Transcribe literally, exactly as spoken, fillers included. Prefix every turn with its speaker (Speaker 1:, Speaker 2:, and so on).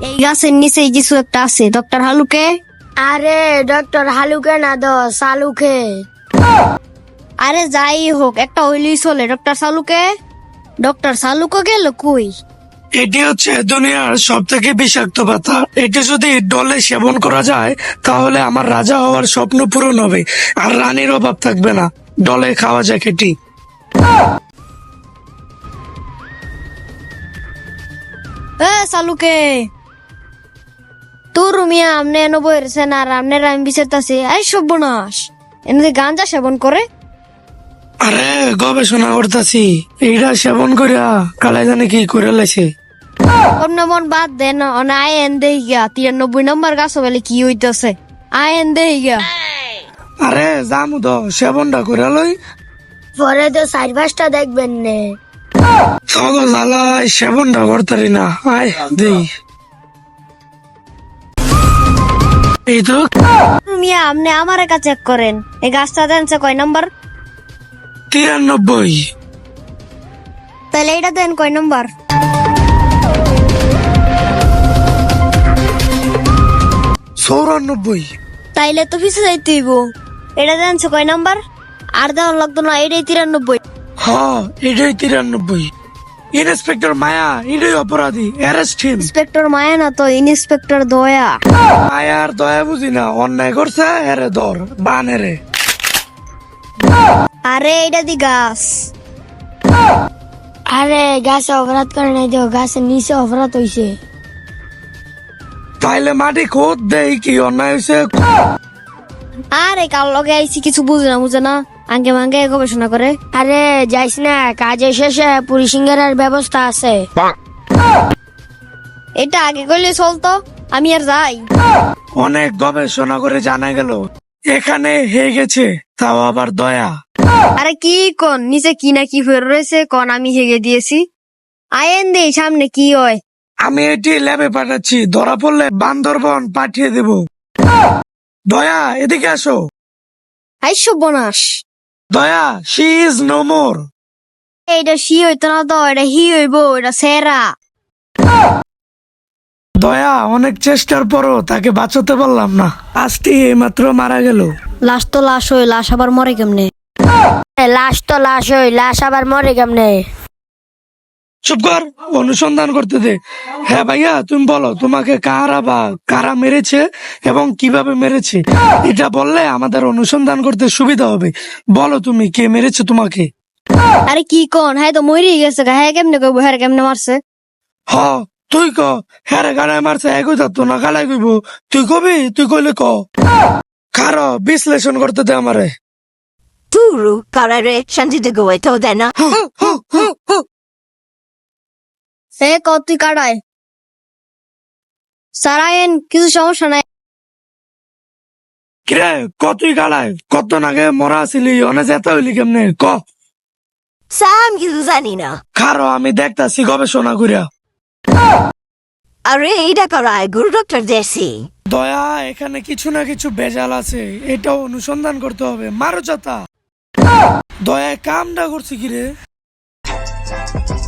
Speaker 1: এই গাছের নিচে কিছু একটা আছে। ডক্টর হালুকে?
Speaker 2: আরে ডক্টর হালুকে না দো সালুকে।
Speaker 1: আরে যাই হোক, একটা হইলেই চলে। ডক্টর সালুকে? ডক্টর সালুকে গেল কই?
Speaker 3: এটি হচ্ছে দুনিয়ার সব থেকে বিষাক্ত পাতা। এটি যদি ডলে সেবন করা যায় তাহলে আমার রাজা হওয়ার স্বপ্ন পূরণ হবে, আর রানীর অভাব থাকবে না। ডলে খাওয়া যাক এটি।
Speaker 1: এ সালুকে, তোর মিয়া আমনে এনে বইরেছেন আর আমনের আমি বিচারতাছি। এই সর্বনাশ, এনে গাঞ্জা সেবন করে?
Speaker 3: আরে গবেষণা করতেছি, এইটা সেবন করিয়া কালাই জানে কি করে লেছে।
Speaker 1: অন্য মন বাদ দেন, অনে আয় এন দেই গা। তিরানব্বই নম্বর গাছ বলে কি হইতাছে? আয় এন দেই গা।
Speaker 3: আরে জামু তো সেবনটা করে লই।
Speaker 2: পরে তো চার পাঁচটা দেখবেন নে।
Speaker 3: সগো জ্বালাই সেবনটা করতারি না। আয় দেই। এই তো
Speaker 1: মিয়া আমনে আমার একা চেক করেন। এই গাছটা দেনছে কয় নম্বর?
Speaker 3: তিরানব্বই।
Speaker 1: তাহলে এটা দেন কয় নম্বর?
Speaker 3: চৌরানব্বই।
Speaker 1: তাইলে তো পিছে যাইতে হইব। এটা দেনছে কয় নম্বর? আর দেওয়ার লাগতো না, এটাই তিরানব্বই।
Speaker 3: হ্যাঁ এটাই তিরানব্বই। ইন্সপেক্টর মায়া এটাই অপরাধী, অ্যারেস্ট হিম।
Speaker 1: ইন্সপেক্টর মায়া না তো, ইন্সপেক্টর দয়া।
Speaker 3: মায়ার দয়া বুঝি না, অন্যায় করছে এরে ধর বানেরে।
Speaker 1: আরে এটা দি গাছ।
Speaker 2: আরে গাছে অপরাধ করে নাই তো, গাছের নিচে অপরাধ হইছে।
Speaker 3: তাইলে মাটি খোদ দেই কি অন্যায় হয়েছে।
Speaker 1: আরে কাল লগে আইছি, কিছু বুঝে না বুঝে না, আঙ্গে মাঙ্গে গবেষণা করে।
Speaker 2: আরে যাইস না, কাজের শেষে পুরি সিঙ্গারার ব্যবস্থা আছে।
Speaker 1: এটা আগে করলে চলতো, আমি আর যাই।
Speaker 3: অনেক গবেষণা করে জানা গেল এখানে হয়ে গেছে, তাও আবার দয়া।
Speaker 1: আরে কি কোন, নিচে কি না কি ফের রয়েছে কোন, আমি হেগে দিয়েছি। আয়েন দেই সামনে কি হয়।
Speaker 3: আমি এটি ল্যাবে পাঠাচ্ছি, ধরা পড়লে বান্দরবন পাঠিয়ে দেব। দয়া এদিকে আসো।
Speaker 1: আই সর্বনাশ,
Speaker 3: দয়া শি ইজ নো মোর।
Speaker 1: এইটা সি হইতো না তো, এটা হি হইব, এটা সেরা।
Speaker 3: দয়া অনেক চেষ্টার পরও তাকে বাঁচাতে পারলাম না, আজটি এইমাত্র মারা গেল।
Speaker 1: লাশ তো লাশ হই, লাশ আবার মরে কেমনে?
Speaker 2: লাশ তো লাশ হই, লাশ আবার মরে কেমনে?
Speaker 3: চুপ কর, অনুসন্ধান করতে দে। হ্যাঁ ভাইয়া তুমি বলো, তোমাকে কারা বা কারা মেরেছে এবং কিভাবে মেরেছে, এটা বললে আমাদের অনুসন্ধান করতে সুবিধা হবে। বলো তুমি, কে মেরেছে তোমাকে?
Speaker 1: আরে কি কোন, হ্যাঁ তো মরি গেছে গা। হ্যাঁ কেমনে কইব, হ্যাঁ কেমনে মারছে?
Speaker 3: হ তুই ক। হ্যাঁ রে গালায় মারছে, একই যাতো না গালায় কইব। তুই কবি, তুই কইলে ক। কারো বিশ্লেষণ করতে দে আমারে।
Speaker 4: Turu karare shanti go eto dena.
Speaker 1: সে কত তুই কাটায় সারায়েন, কিছু সমস্যা নাই।
Speaker 3: কিরে কতই গালায়, কত নাগে মরা আসিলি, অনে যেতে হইলি কেমনে ক।
Speaker 4: Sam kizu zanina.
Speaker 3: কারো আমি দেখতাছি গবেষণা করিয়া।
Speaker 4: Are ida karai guru doctor desi.
Speaker 3: দয়া এখানে কিছু না কিছু বেজাল আছে, এটা অনুসন্ধান করতে হবে। মারো চাতা। দয়া কামটা করছি কিরে।